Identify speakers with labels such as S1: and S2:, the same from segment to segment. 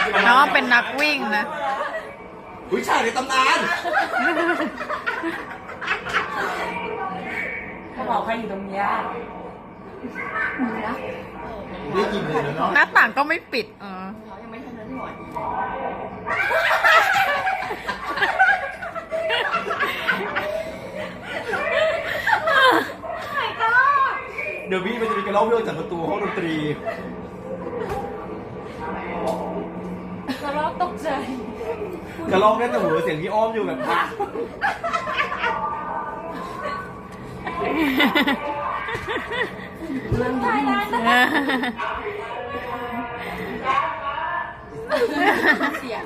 S1: น้องเป็นนักวิ่งนะ
S2: วิชาในตำนาน
S3: เขาบอกใครอยู่ตรงเนี้ย
S2: ได้ยินเลยนะเนาะ
S1: หน้าต่างก็ไม่ปิด
S3: เขายังไม่ทันนั้นหมด
S2: เดี๋ยวพี่มันจะมีกระรอกเรื่องจากประตูห้องดนตรี
S3: กระรอกตกใจ
S2: กระรอกแน่แต่หัวเสียงพี่อ้อมอยู่แบบอ่ะ
S3: เรื่องนี้เสียง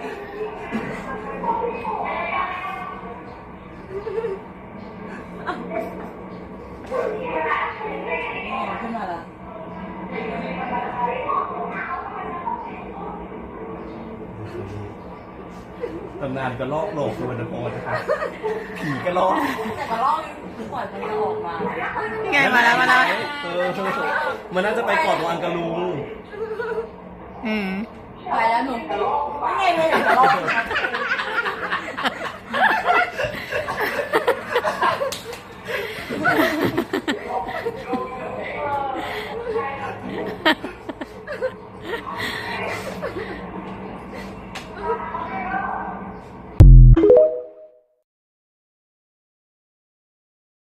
S3: ขึ้นมาละ
S2: ตำนานกระรอกโหลกสุวรรณภูมินะครับผีกระรอก
S3: แต่กระรอกปล่อยมันจะออกมา
S1: นี่ไงมาแล้วมาแล้ว
S2: มันน่าจะไปกอดวางกระลุง
S1: อืม
S3: ไปแล้วหนุ่มไม่ไงเลยกระรอก